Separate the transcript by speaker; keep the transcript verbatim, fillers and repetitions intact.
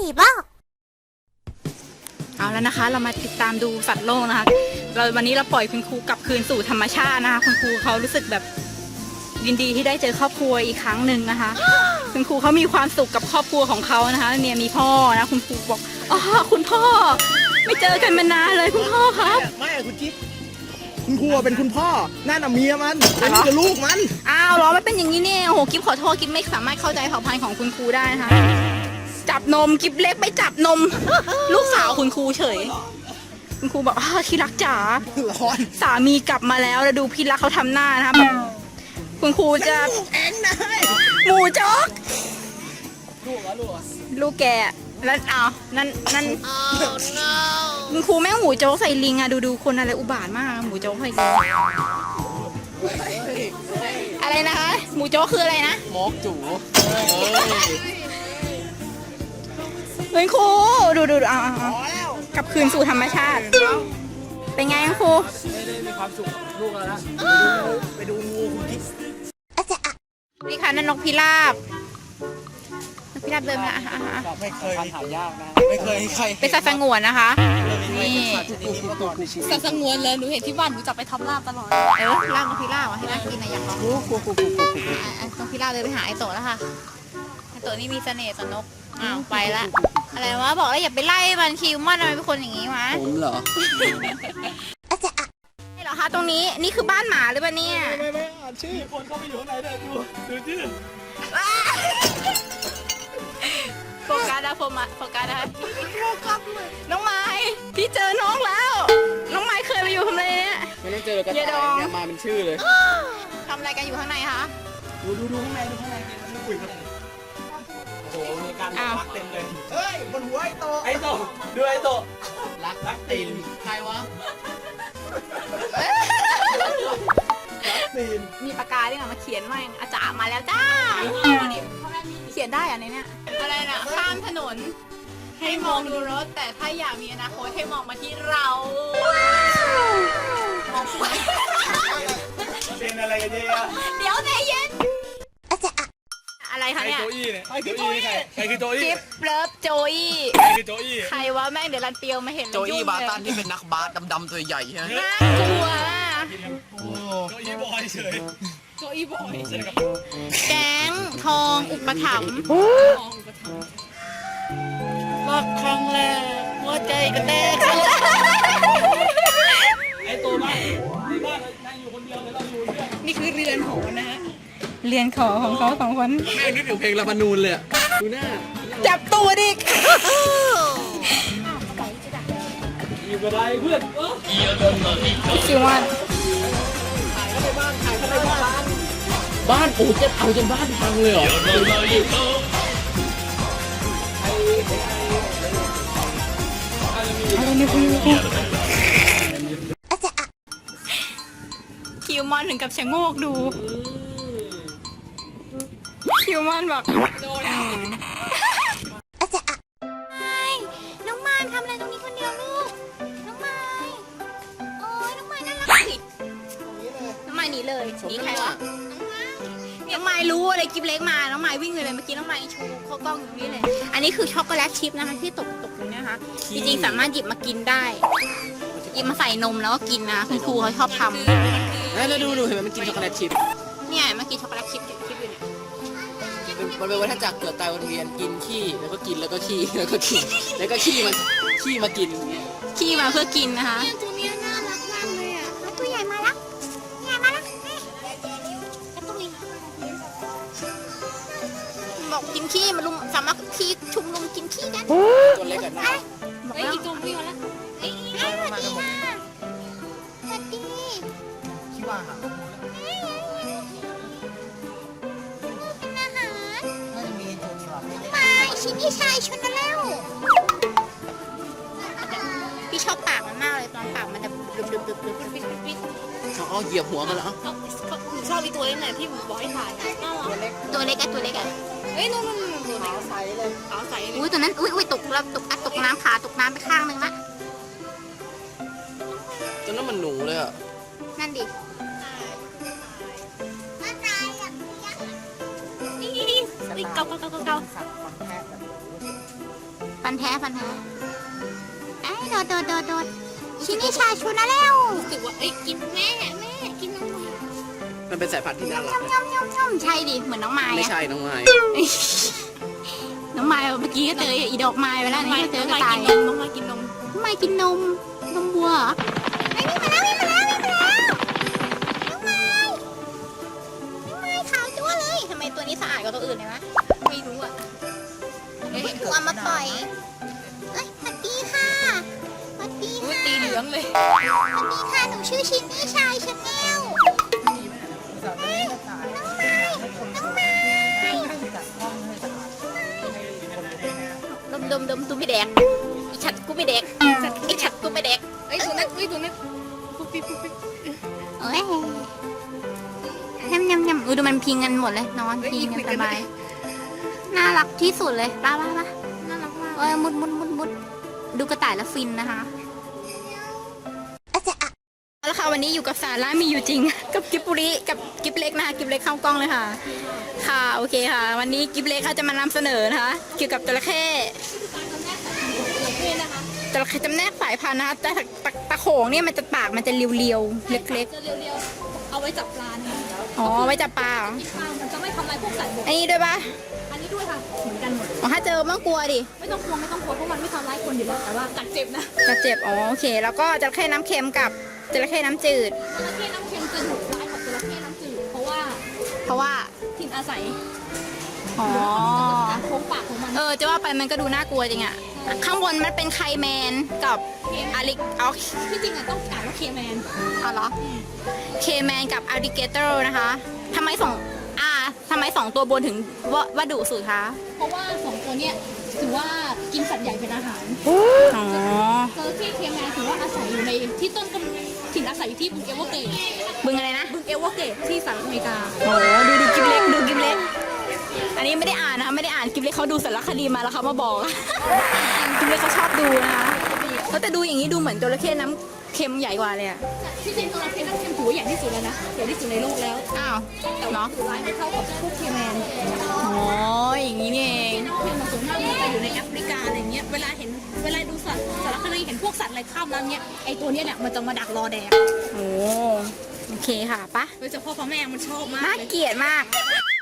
Speaker 1: บ้า
Speaker 2: เอาแล้วนะคะเรามาติดตามดูสัตว์โลกนะคะเราวันนี้เราปล่อยคุณครูกลับคืนสู่ธรรมชาตินะคะคุณครูเขารู้สึกแบบยินดีที่ได้เจอครอบครัวอีกครั้งหนึ่งนะคะ คุณครูเขามีความสุขกับครอบครัวของเขานะคะเนี่ยมีพ่อนะคุณครูบอกอ๋อคุณพ่อไม่เจอกันมานานเลยคุณพ่อครับ
Speaker 3: ไม่คุณจิ๊บคุณครูเป็นคุณพ่อนั่นน่ะเมียมันอันนี้คือลูกมัน
Speaker 2: อ้าวเหรอไม่เป็นอย่างนี้เนี่ยโอ้โหกิ๊บขอโทษกิ๊บไม่สามารถเข้าใจเผ่าพันธุ์ของคุณครูได้นะคะจับนมกิ๊บเล็กไปจับนม ลูกสาวคุณครูเฉยคุณครูบอกอ๋อที่รักจ๋า
Speaker 3: ร้อน
Speaker 2: สามีกลับมาแล้วแล้วดูพี่รักเขาทำหน้านะคะแบบคุณครูจะ
Speaker 3: ลูกเองนะ
Speaker 2: หมูจ๊อก
Speaker 3: ลูกเหรอลูกเหรอ
Speaker 2: ลูกแกแล้วอ้าวนั่นนั่นคุณครูแม่งหมูโจ๊กใส่ลิงอะดูดูคนอะไรอุบาทมากหมูโจ๊กใส่ลิงอะไรนะคะหมูโจ๊กคืออะไรนะ
Speaker 3: มอกจู๋
Speaker 2: เฮ้ยครูดูดูดูเอาเอาเอา
Speaker 3: พอแล้ว
Speaker 2: กลับคืนสู่ธรรมชาติเป็นไงครู
Speaker 3: ไม่ได้มีความสุขกับลูกแล้วนะไปดูงูคุณจิ๊บ
Speaker 2: นี่ค่ะนั่นนกพิราบนกพิราบเดินมาอ่ะอ่ะอ่ะ
Speaker 3: ไม่เคยหายากนะไม่เคยใคร
Speaker 2: เป็นสัตว์สงวนนะคะ นี่
Speaker 1: สัตว์สงวนเลยหนูเห็นที่บ้านหนูจับไปทำลาบตลอด
Speaker 2: เออลากนกพิราบอ่ะให้น่ากินนะอยากลอง
Speaker 3: กูกูกูกูกูกู
Speaker 2: อ่ะอ่ะนกพิราบเดินไปหาไอโตะแล้วค่ะไอโตะนี่มีเสน่ห์ต่อนกอ้าวไปละอะไรวะบอกแล้วอย่าไปไล่มันคิวมันทำไมเป็นคนอย่างนี้วะ
Speaker 3: ผมเหรอ
Speaker 2: นี่เหรอคะตรงนี้นี่คือบ้านหมาหรือเปล่าเนี่ย
Speaker 3: ไม่ไม่อ่านชื่อคนเข้าไปอยู่ข้างในเลยดูดูชื่อ
Speaker 2: โฟกัสนะโฟกัสโฟกัสนะคะน้องไม้พี่เจอน้องแล้ว น้องไม้เคยมาอยู่ทำอะไรเนี่ย
Speaker 3: ไม่ต้องเจอกระ
Speaker 2: เย
Speaker 3: ต่าย
Speaker 2: ดอง
Speaker 3: เนี่ยมาเป็นชื่อเลย
Speaker 2: ทำอะไรกันอยู่ข้างในคะ
Speaker 3: ดูดูดูข้างในดูข้างในไม่คุยกันโอ้โหมีการรักเต็มเลยเฮ้ยบนหัวไอ้โตไอ้โตดูไอ้โตรักรักตีนใครวะรักตีน
Speaker 2: มีปากกาด้วยมาเขียนว่าอาจารย์มาแล้วจ้าเขียนได้อะในเนี้ยอะไรน่ะข้ามถนนให้มองดูรถ แต่ถ้าอยากมีอนาคตให้มองมาที่เรามองไป
Speaker 3: เป็นอะไรกันเนี่ย
Speaker 2: เดี๋ยวใจเย็นอะไร
Speaker 3: ใคร
Speaker 2: คะเนี่ย
Speaker 3: โจอี้เนี่ยใครคือโจอี้ใครใครคือโจอี้
Speaker 2: กิฟเลิฟโจอี้
Speaker 3: ใครคือโจอี้
Speaker 2: ใครวะแม่งเดี๋ยวรันเปียวมาเห็น
Speaker 4: โจอี้
Speaker 2: ยุ่ง
Speaker 4: บา
Speaker 2: เลย
Speaker 4: ตันที่เป็นนักบาสดำๆตัวใหญ่ใช่ไหม
Speaker 2: น่ากลัว
Speaker 3: โจอี้บอยเฉย
Speaker 1: โจอีบอย
Speaker 2: แก๊งทองอุปถัมภ์
Speaker 1: รักครั้งแรกหัวใจก็แตก
Speaker 3: ไอ้ตัวบ้านในบ้านนั่งอยู่คนเดียวเลยเราอยู่เพื่อน
Speaker 1: นี่คือเรือนหอนะฮะ
Speaker 2: เรียนขอของเขาสองคน
Speaker 4: แม่งนึกถึงเพลงลาบานูนเลยอะดูหน้า
Speaker 2: จับตัวดิ
Speaker 3: อยู่กับอะไรเพื่อนเออ
Speaker 2: คิวมัน
Speaker 4: บ้านโอ้จะเอาจนบ้านพังเลยเหรอ
Speaker 2: คิวมอนถึงกับชะโงกดู คิวมอนบอกน้องมายทำอะไรตรงนี้คนเดียวลูก น้องมายโอ้ยน้องมายน่ารักสิน้องมายหนีเลยหนีใครวะน้องมายรู้อะไรกิฟเล็กมา น้องมายวิ่งเลยเมื่อกี้น้องมายชูเข้ากล้องอยู่นี่เลย อันนี้คือช็อกโกแลตชิพนะคะที่ตกตกอยู่เนี่ยนะคะ จริงๆสามารถหยิบมากินได้หยิบมาใส่นมแล้วก็กินนะคุณครูเขาชอบทำ
Speaker 4: แล้วดูดูเห็นไหมมันกินช็อกโกแลตชิพ
Speaker 2: เนี่ยเมื่อกี้ช็อกโกแลตชิพชิพอยู่เนี่ย
Speaker 4: มันเป็นวัฏจักรเกิดตายวนเวียนกินขี้แล้วก็กินแล้วก็ขี้แล้วก็กินแล้วก็ขี้มันขี้มากินอย่างเงี้ย
Speaker 2: ขี้มาเพื่อกินนะคะ
Speaker 1: ตัวนี้น่ารักมากเลยอ่ะ
Speaker 2: ตัวใหญ่มาแล้วใหญ่มาแล้วบอกกินขี้มาลุมสามารถขี้ชุมนุมกินขี้กัน
Speaker 4: ตัวเล็กกันนะ
Speaker 2: บอก
Speaker 1: เฮ้ย
Speaker 2: แล้ว
Speaker 1: อีกตัววิ่งมาแล้วเฮ้ย
Speaker 2: สวัสดีค่ะสวัสดี
Speaker 3: คิดว่าหา
Speaker 2: เป็นอาหาร
Speaker 3: น่าจะมีโจอี้หรอ
Speaker 2: มาชิ้นที่ชายชนแล้ว พี่ชอบปากมันมากเลยตอนปากมันจะดึบดึบดึบดึบดึบดึบ
Speaker 4: เขาเอาเหยียบหัวมันแล้ว
Speaker 1: เขาเขาหนูชอบอีตัวเล็กหน่อยที่หนูบอกให้ถ่ายอ่ะน่ารัก
Speaker 2: ตัวเล็กอะตัวเล็กอะ
Speaker 1: เฮ้ยนู่นนู่นนู่นตัวเล็ก
Speaker 3: ใสเลย
Speaker 1: ขาวใสเลย
Speaker 2: อุ้ยตัวนั้นอุ้ยอุ้ยตกแล้วตกอ่ะตกน้ำขาตกน้ำไปข้างนึงละ
Speaker 4: จนนั้นมันหนูเลยอะ
Speaker 2: นั่นดิ
Speaker 1: นี่นี่นี่เกาเกาเกาเกา
Speaker 2: ไปฟันแท้ฟันแท้ไอ้โดดโดดโดดโดดชินิชาชูนะแล้ว
Speaker 1: รู้สึกว่าเอ้ยกินแม่แม่กินน้องไม้
Speaker 4: มันเป็นสายพันธุ์ที่น่ารัก
Speaker 2: ย่อมย่อมย่อมใช่ดิเหมือนน้องไม้
Speaker 4: ไม่
Speaker 2: อะ
Speaker 4: ใช่น้องไม้
Speaker 2: น้องไม้เมื่อกี้ก็เจออีดอกไม้ไปแล้ว
Speaker 1: น้องไม้
Speaker 2: นี่ก็เจ
Speaker 1: น้
Speaker 2: อ
Speaker 1: อง
Speaker 2: กระ
Speaker 1: ไม้
Speaker 2: ต่าย
Speaker 1: กินนมน้องไม้กินนม
Speaker 2: น้องไม้กินนมนมวัวเหรอไอ้ยนี่มาแล้วนี่มาแล้วนี่มาแล้วน้องไม้น้องไม้ขาวจั๊วเลยทำไมตัวนี้สะอาดกว่าตัวอื่นเลยวะ
Speaker 1: ไม่รู้อ่ะ
Speaker 2: เอ้ยกูเอามาปล่อยเอ้ยสวัสดีค่ะสวัสดี
Speaker 1: อุ้ย
Speaker 2: ค่ะ
Speaker 1: ตีเหลืองเลย
Speaker 2: สวัสดีค่ะหนูชื่อชินนี่ชายชาแนลน้องไม้น้องไม้ดมดมดมตูไม่แดกอีฉัดกูไม่แดกอีฉัดกูไม่แดก
Speaker 1: เอ้ยตัวนั้นเอ้ยตัวนั้นปุ๊บปิ๊บปุ๊บปิ๊บ
Speaker 2: เอ้ยยำยำยำอุ้ยดูมันพิงกันหมดเลยนอนพิงกันสบายน่ารักที่สุดเลยป้าป้าป้า
Speaker 1: น่ารักมาก
Speaker 2: เอ้ยมุดมุดมุดมุดดูกระต่ายแล้วฟินนะคะแล้วค่ะวันนี้อยู่กับสาระมีอยู่จริง กับกิบปุริกับกิบเล็กนะคะกิบเล็กเข้ากล้องเลยค่ะ ค่ะโอเคค่ะ วันนี้กิบเล็กเขาจะมานำเสนอนะคะเกี่ยวกับจระเข้จระเข้จำแนกสายพันธุ์นะคะแต่ตะตะโขงเนี่ยมันจะปากมันจะเรียวๆเล็ก
Speaker 1: จะเรียวๆเอาไว้จับปลาเนี่ย
Speaker 2: ๆอ๋อไว้จับปลาเหรอ
Speaker 1: ปลามันจะไม่ทำลายพวกสัตว์บก
Speaker 2: อันนี้ด้วยปะ
Speaker 1: อันนี้ด้วยค่ะเหมือนกันหมด
Speaker 2: อ๋อถ้าเจอมันกลัวดิ
Speaker 1: ไม่ต้องกลัวไม่ต้องกลัวเพราะมันไม่ทำร้ายคนอยู่แล้วแต่ว่ากัดเจ็บนะ
Speaker 2: จะเจ็บอ๋อโอเค แล้วก็จระเข้น้ำเค็มกับจระเข้น้ำจืด
Speaker 1: จระเข้น้ำเค็มจะดุร้ายกว่าจระเข้น้ำจืดเพราะว่า
Speaker 2: เพราะว่า
Speaker 1: ถิ่นอาศัย
Speaker 2: อ๋อ
Speaker 1: การโค้งปากของมัน
Speaker 2: เออจะว่าไปมันก็ดูน่ากลัวจริงอะข้างบนมันเป็นไคแมนกับอาริกเอา
Speaker 1: ที่จริงอะต้องอ่านว่าเคแมน
Speaker 2: เอาเหรอเคแมนกับอาริเกเตอร์นะคะทำไมสองอ่าทำไมสองตัวบนถึงว่าว่าดุสุดคะ
Speaker 1: เพราะว่าสองตัวเนี้ยถือว่ากินสัตว์ใหญ่เป็นอาหาร
Speaker 2: อ๋อ
Speaker 1: จระเข้เคแมนถือว่าอาศัยอยู่ในที่ต้นกำถิ่นอาศัยอยู่ที่บึงเอเวอร์เกรด
Speaker 2: บึงอะไรนะ
Speaker 1: บึงเอเวอร์เกรดที่สหรัฐอเมริกา
Speaker 2: โอ้ดูดูกิบเล็กดูกิบเล็กอันนี้ไม่ได้อ่านนะคะไม่ได้อ่านกิบเล็กเขาดูสารคดีมาแล้วเขามาบอก กิบเล็กเขาชอบดูนะคะแล้วแต่ดูอย่างนี้ดูเหมือนจระเข้น้ำเค็มใหญ่กว่าเลยอะ
Speaker 1: ที่จริงจระเข้น้ำเค็มถือว่าใหญ่ที่สุดแล้วนะใหญ่ที่สุดในโลกแล้ว
Speaker 2: อ้าว
Speaker 1: แต่ว่า
Speaker 2: เนาะ
Speaker 1: ถือร้ายไม่เท่ากับพวกเคแมน
Speaker 2: อ๋ออย่างนี้นี่เอง
Speaker 1: น้ำเค็มมันส่วนมากมันจะอยู่ในแอฟริกาอะไรเงี้ยเวลาเห็นเวลาดูสัตว์สารคดีเห็นพวกสัตว์อะไรข้ามน้ำเนี้ยไอตัวเนี้ยเนี่ยมันจะมาดักรอแดก
Speaker 2: โอ้โอเคค่ะปะ
Speaker 1: โดยเฉพาะพ่อแม่มันชอบมาก
Speaker 2: น่า
Speaker 1: เลย
Speaker 2: เกลียดมาก